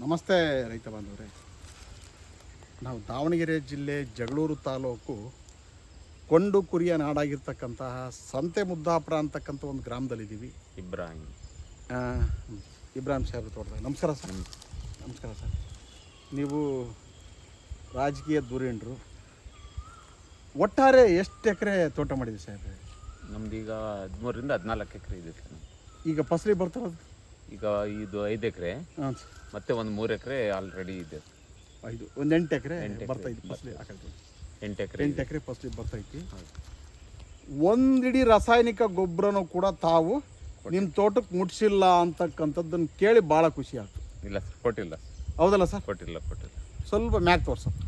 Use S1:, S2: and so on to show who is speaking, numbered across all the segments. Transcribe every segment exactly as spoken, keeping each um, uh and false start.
S1: ನಮಸ್ತೆ ರೈತ ಬಾಂಧವರೇ. ನಾವು ದಾವಣಗೆರೆ ಜಿಲ್ಲೆ ಜಗಳೂರು ತಾಲೂಕು ಕೊಂಡು ಕುರಿಯ ನಾಡಾಗಿರ್ತಕ್ಕಂತಹ ಸಂತೆ ಮುದ್ದಾಪುರ ಅಂತಕ್ಕಂಥ ಒಂದು ಗ್ರಾಮದಲ್ಲಿದ್ದೀವಿ.
S2: ಇಬ್ರಾಹಿಂ
S1: ಇಬ್ರಾಹಿಂ ಸಾಹೇಬ್ರ ತೋಟದಾಗ. ನಮಸ್ಕಾರ ಸರ್. ನಮಸ್ಕಾರ ಸರ್. ನೀವು ರಾಜಕೀಯ ಧುರೀಣರು. ಒಟ್ಟಾರೆ ಎಷ್ಟು ಎಕರೆ ತೋಟ ಮಾಡಿದ್ರಿ ಸಾಹೇಬ್ರೆ?
S2: ನಮ್ದು ಈಗ ಹದಿಮೂರರಿಂದ ಹದಿನಾಲ್ಕು ಎಕರೆ ಇದೆ ಸರ್.
S1: ಈಗ ಫಸಲಿ ಬರ್ತಾರದು?
S2: ಈಗ ಇದು ಐದು ಎಕರೆ,
S1: ಹಾಂ ಸರ್.
S2: ಮತ್ತೆ ಒಂದು ಮೂರು ಎಕರೆ ಆಲ್ರೆಡಿ ಇದೆ.
S1: ಐದು ಒಂದು ಎಂಟು ಎಕರೆ ಬರ್ತೈತಿ ಫಸಲಿ.
S2: ಎಂಟು ಎಕರೆ
S1: ಎಂಟು ಎಕರೆ ಫಸಲಿ ಬರ್ತೈತಿ. ಒಂದಿಡೀ ರಾಸಾಯನಿಕ ಗೊಬ್ಬರನೂ ಕೂಡ ತಾವು ನಿಮ್ಮ ತೋಟಕ್ಕೆ ಮುಟ್ಸಿಲ್ಲ ಅಂತಕ್ಕಂಥದ್ದನ್ನು ಕೇಳಿ ಭಾಳ ಖುಷಿ ಆಯ್ತು.
S2: ಇಲ್ಲ ಸರ್, ಕೊಟ್ಟಿಲ್ಲ.
S1: ಹೌದಲ್ಲ ಸರ್?
S2: ಕೊಟ್ಟಿಲ್ಲ ಕೊಟ್ಟಿಲ್ಲ
S1: ಸ್ವಲ್ಪ ಮ್ಯಾಕ್ ತೋರ್ಸಪ್ಪ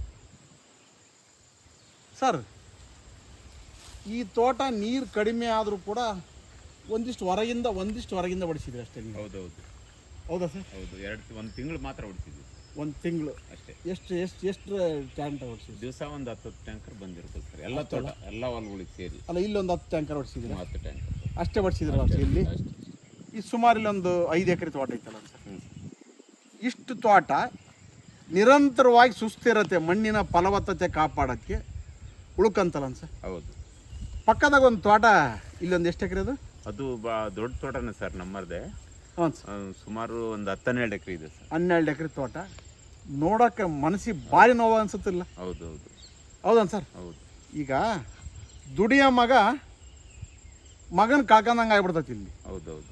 S1: ಸರ್. ಈ ತೋಟ ನೀರು ಕಡಿಮೆ ಆದರೂ ಕೂಡ ಒಂದಿಷ್ಟು ಹೊರಗಿಂದ ಒಂದಿಷ್ಟು ಹೊರಗಿಂದ ಹೊಡಿಸಿದ್ರಿ ಅಷ್ಟೇ ನೀವು?
S2: ಹೌದೌದು.
S1: ಹೌದಾ ಸರ್?
S2: ಹೌದು. ಎರಡು ಒಂದು ತಿಂಗಳು ಮಾತ್ರ ಹೊಡಿಸಿದ್ವಿ.
S1: ಒಂದು ತಿಂಗಳು
S2: ಅಷ್ಟೇ.
S1: ಎಷ್ಟು ಎಷ್ಟು ಎಷ್ಟು ಟ್ಯಾಂಕರ್ ಹೊಡಿಸಿದ್ವಿ?
S2: ದಿವಸ ಒಂದು ಹತ್ತು ಟ್ಯಾಂಕರ್ ಬಂದಿರ್ತದೆ ಸರ್. ಎಲ್ಲ ತೋಟ ಎಲ್ಲ ಹೊಲಗಳಿಗೆ ಸೇರಿ.
S1: ಅಲ್ಲ, ಇಲ್ಲೊಂದು ಹತ್ತು ಟ್ಯಾಂಕರ್ ಹೊಡಿಸಿದ್ರಿ?
S2: ಹತ್ತು ಟ್ಯಾಂಕರ್
S1: ಅಷ್ಟೇ ಹೊಡಿಸಿದ್ರಲ್ಲ ಇಲ್ಲಿ? ಈ ಸುಮಾರು ಇಲ್ಲೊಂದು ಐದು ಎಕರೆ ತೋಟ ಐತಲ್ಲ ಸರ್. ಇಷ್ಟು ತೋಟ ನಿರಂತರವಾಗಿ ಸುಸ್ಥಿರತೆ, ಮಣ್ಣಿನ ಫಲವತ್ತತೆ ಕಾಪಾಡೋಕ್ಕೆ ಉಳ್ಕಂತಲ್ಲ ಸರ್?
S2: ಹೌದು.
S1: ಪಕ್ಕದಾಗ ಒಂದು ತೋಟ, ಇಲ್ಲೊಂದು ಎಷ್ಟು ಎಕರೆ ಅದು?
S2: ಅದು ಬಾ ದೊಡ್ಡ ತೋಟನೇ ಸರ್, ನಮ್ಮದೇ.
S1: ಹ್ಞೂ ಸರ್.
S2: ಸುಮಾರು ಒಂದು ಹತ್ತೆರಡು ಎಕರೆ ಇದೆ ಸರ್.
S1: ಹನ್ನೆರಡು ಎಕರೆ ತೋಟ ನೋಡೋಕೆ ಮನಸ್ಸಿಗೆ ಭಾರಿ ನೋವು ಅನ್ಸುತ್ತಿಲ್ಲ?
S2: ಹೌದು ಹೌದು.
S1: ಹೌದನ್ ಸರ್?
S2: ಹೌದು.
S1: ಈಗ ದುಡಿಯೋ ಮಗ ಮಗನ ಕಳ್ಕೊಂಡಂಗೆ ಆಗ್ಬಿಡ್ತೈತಿ ಇಲ್ಲಿ.
S2: ಹೌದೌದು.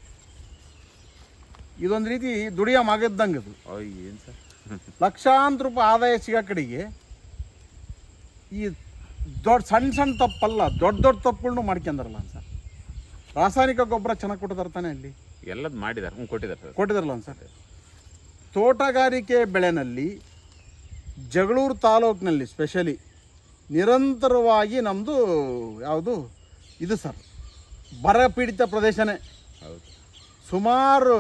S1: ಇದೊಂದು ರೀತಿ ದುಡಿಯೋ ಮಗ ಇದ್ದಂಗೆ ಅದು.
S2: ಏನು ಸರ್,
S1: ಲಕ್ಷಾಂತರ ರೂಪಾಯಿ ಆದಾಯ ಸಿಗೋ ಕಡೆಗೆ ಈ ದೊಡ್ಡ ಸಣ್ಣ ಸಣ್ಣ ತಪ್ಪಲ್ಲ, ದೊಡ್ಡ ದೊಡ್ಡ ತಪ್ಪುಗಳನ್ನು ಮಾಡ್ಕೊಂಡಾರಲ್ಲ ಸರ್. ರಾಸಾಯನಿಕ ಗೊಬ್ಬರ ಚೆನ್ನಾಗಿ ಕೊಟ್ಟಿದ್ದಾರೆ ತಾನೆ ಅಲ್ಲಿ?
S2: ಎಲ್ಲದು ಮಾಡಿದ್ದಾರೆ. ಹ್ಞೂ, ಕೊಟ್ಟಿದ್ದಾರೆ ಸರ್.
S1: ಕೊಟ್ಟಿದ್ದಾರಲ್ಲ ಸರ್. ತೋಟಗಾರಿಕೆ ಬೆಳೆನಲ್ಲಿ ಜಗಳೂರು ತಾಲೂಕಿನಲ್ಲಿ ಸ್ಪೆಷಲಿ ನಿರಂತರವಾಗಿ ನಮ್ಮದು ಯಾವುದು ಇದು ಸರ್, ಬರಪೀಡಿತ ಪ್ರದೇಶನೇ.
S2: ಹೌದು.
S1: ಸುಮಾರು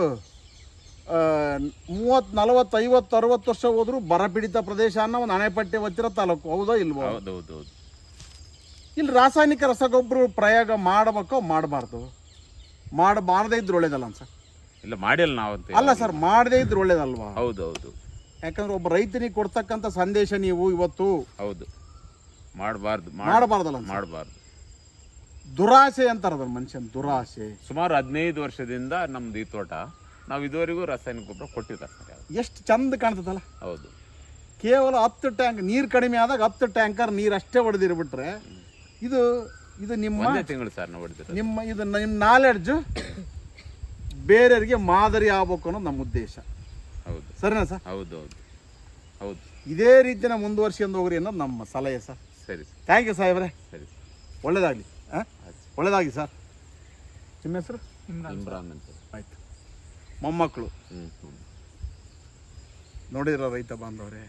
S1: ಮೂವತ್ತು ನಲವತ್ತು ಐವತ್ತು ಅರವತ್ತು ವರ್ಷ ಹೋದರೂ ಬರಪೀಡಿತ ಪ್ರದೇಶ ಅನ್ನೋ ಒಂದು ಅಣೆಪಟ್ಟೆ ಒತ್ತಿರೋ ತಾಲೂಕು. ಹೌದೋ ಇಲ್ವೋ?
S2: ಹೌದೌದು.
S1: ಇಲ್ಲಿ ರಾಸಾಯನಿಕ ರಸಗೊಬ್ಬರ ಪ್ರಯೋಗ ಮಾಡಬೇಕೋ ಮಾಡಬಾರ್ದು? ಮಾಡಬಾರ್ದೇ ಇದ್ರೆ ಒಳ್ಳೇದಲ್ಲ ಸರ್?
S2: ಇಲ್ಲ, ಮಾಡಿಲ್ಲ ನಾವು ಅಂತ.
S1: ಅಲ್ಲ ಸರ್, ಮಾಡದೇ ಇದ್ರೆ ಒಳ್ಳೇದಲ್ವಾ?
S2: ಹೌದು ಹೌದು.
S1: ಯಾಕಂದ್ರೆ ಒಬ್ಬ ರೈತನಿಗೆ ಕೊಡ್ತಕ್ಕಂಥ ಸಂದೇಶ ನೀವು ಇವತ್ತು
S2: ಹೌದು ಮಾಡಬಾರ್ದು.
S1: ಮಾಡಬಾರ್ದಲ್ಲ?
S2: ಮಾಡಬಾರ್ದು.
S1: ದುರಾಸೆ ಅಂತಾರೆ ಅದನ್ನ, ಮನುಷ್ಯನ ದುರಾಸೆ.
S2: ಸುಮಾರು ಹದಿನೈದು ವರ್ಷದಿಂದ ನಮ್ದು ಈ ತೋಟ ನಾವು ಇದುವರೆಗೂ ರಾಸಾಯನಿಕ ಗೊಬ್ಬರ ಕೊಟ್ಟಿಲ್ಲ ಸರ್.
S1: ಎಷ್ಟು ಚಂದ ಕಾಣ್ತದಲ್ಲ?
S2: ಹೌದು.
S1: ಕೇವಲ ಹತ್ತು ಟ್ಯಾಂಕ್ ನೀರು ಕಡಿಮೆ ಆದಾಗ ಹತ್ತು ಟ್ಯಾಂಕರ್ ನೀರು ಅಷ್ಟೇ ಹೊಡೆದಿರ್ಬಿಟ್ರೆ ಇದು ಇದು ನಿಮ್ಮ
S2: ತಿಂಗಳು ಸರ್ ನಾವು ಹೊಡೆದಿರೋದು.
S1: ನಿಮ್ಮ ಇದು ನಿಮ್ಮ ನಾಲೆಡ್ಜು ಬೇರೆಯವರಿಗೆ ಮಾದರಿ ಆಗ್ಬೇಕು ಅನ್ನೋದು ನಮ್ಮ ಉದ್ದೇಶ.
S2: ಹೌದು.
S1: ಸರಿನಾ ಸರ್?
S2: ಹೌದು ಹೌದು ಹೌದು.
S1: ಇದೇ ರೀತಿನ ಮುಂದುವರ್ಸ್ಕೊಂಡು ಹೋಗ್ರಿ ಅನ್ನೋದು ನಮ್ಮ ಸಲಹೆ ಸರ್.
S2: ಸರಿ.
S1: ಥ್ಯಾಂಕ್ ಯು ಸಾಹೇಬ್ರೆ.
S2: ಸರಿ.
S1: ಒಳ್ಳೇದಾಗಲಿ. ಹಾಂ, ಒಳ್ಳೇದಾಗಲಿ ಸರ್. ನಿಮ್ಮ ಹೆಸರು?
S2: ಇಮ್ರಾನ್ ಅಂತ.
S1: ಆಯ್ತು. ಮೊಮ್ಮಕ್ಕಳು
S2: ಹ್ಞೂ ಹ್ಞೂ
S1: ನೋಡಿರೋ ರೈತ ಬಾಂಧವರೇ,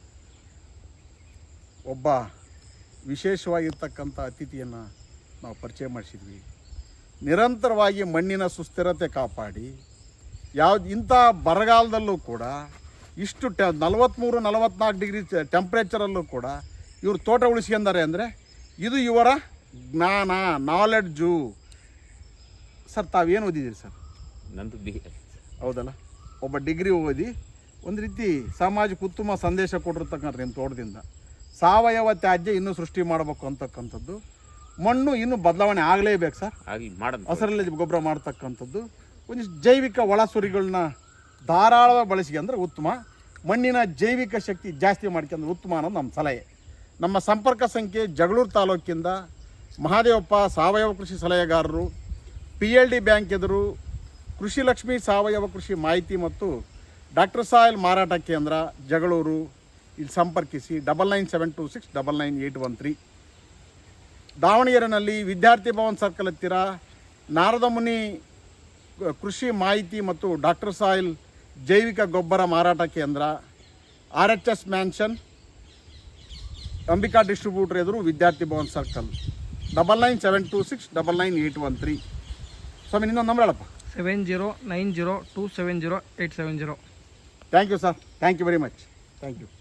S1: ಒಬ್ಬ ವಿಶೇಷವಾಗಿರ್ತಕ್ಕಂಥ ಅತಿಥಿಯನ್ನು ನಾವು ಪರಿಚಯ ಮಾಡಿಸಿದ್ವಿ. ನಿರಂತರವಾಗಿ ಮಣ್ಣಿನ ಸುಸ್ಥಿರತೆ ಕಾಪಾಡಿ ಯಾವ್ದು ಇಂಥ ಬರಗಾಲದಲ್ಲೂ ಕೂಡ ಇಷ್ಟು ಟೆ ನಲವತ್ತ್ಮೂರು ನಲವತ್ತ್ನಾಲ್ಕು ಡಿಗ್ರಿ ಟೆಂಪ್ರೇಚರಲ್ಲೂ ಕೂಡ ಇವರು ತೋಟ ಉಳಿಸ್ಕೊಂಡಾರೆ ಅಂದರೆ ಇದು ಇವರ ಜ್ಞಾನ, ನಾಲೆಡ್ಜು. ಸರ್, ತಾವೇನು ಓದಿದ್ದೀರಿ ಸರ್?
S2: ನಂದು ಬಿ.
S1: ಹೌದಲ್ಲ? ಒಬ್ಬ ಡಿಗ್ರಿ ಓದಿ ಒಂದು ರೀತಿ ಸಮಾಜಕ್ಕೆ ಉತ್ತಮ ಸಂದೇಶ ಕೊಟ್ಟಿರ್ತಕ್ಕಂಥ ನಿಮ್ಮ ತೋಟದಿಂದ ಸಾವಯವ ತ್ಯಾಜ್ಯ ಇನ್ನೂ ಸೃಷ್ಟಿ ಮಾಡಬೇಕು ಅಂತಕ್ಕಂಥದ್ದು. ಮಣ್ಣು ಇನ್ನೂ ಬದಲಾವಣೆ ಆಗಲೇಬೇಕು ಸರ್.
S2: ಆಗಲಿ, ಮಾಡೋದು.
S1: ಹಸರಲ್ಲಿ ಗೊಬ್ಬರ ಮಾಡ್ತಕ್ಕಂಥದ್ದು, ಒಂದಿಷ್ಟು ಜೈವಿಕ ಒಳಸುರಿಗಳನ್ನ ಧಾರಾಳವಾಗಿ ಬಳಸ್ಕೊಂಡ್ರೆ ಉತ್ತಮ. ಮಣ್ಣಿನ ಜೈವಿಕ ಶಕ್ತಿ ಜಾಸ್ತಿ ಮಾಡ್ಕೊಂಡ್ರೆ ಉತ್ತಮ ಅನ್ನೋದು ನಮ್ಮ ಸಲಹೆ. ನಮ್ಮ ಸಂಪರ್ಕ ಸಂಖ್ಯೆ ಜಗಳೂರು ತಾಲೂಕಿಂದ ಮಹಾದೇವಪ್ಪ ಸಾವಯವ ಕೃಷಿ ಸಲಹೆಗಾರರು, ಪಿ ಎಲ್ ಡಿ ಬ್ಯಾಂಕ್ ಎದುರು ಕೃಷಿ ಲಕ್ಷ್ಮಿ ಸಾವಯವ ಕೃಷಿ ಮಾಹಿತಿ ಮತ್ತು ಡಾಕ್ಟರ್ ಸಾಯಿಲ್ ಮಾರಾಟ ಕೇಂದ್ರ ಜಗಳೂರು. ಇಲ್ಲಿ ಸಂಪರ್ಕಿಸಿ. Double nine seven two six double nine eight one three. ದಾವಣಗೆರೆಯಲ್ಲಿ ವಿದ್ಯಾರ್ಥಿ ಭವನ್ ಸರ್ಕಲ್ ಹತ್ತಿರ ನಾರದಮುನಿ ಕೃಷಿ ಮಾಹಿತಿ ಮತ್ತು ಡಾಕ್ಟರ್ ಸಾಯಿಲ್ ಜೈವಿಕ ಗೊಬ್ಬರ ಮಾರಾಟ ಕೇಂದ್ರ, R H S mansion, Ambika distributor ಎದುರು Vidyarthi Bhavan circle. Double nine seven two six double nine eight one three. ಸ್ವಾಮಿ, ಇನ್ನೊಂದು ನಂಬರ್ ಹೇಳಪ್ಪ.
S3: Seven zero nine zero two seven zero eight seven zero.
S1: Thank you sir. Thank you very much. Thank you.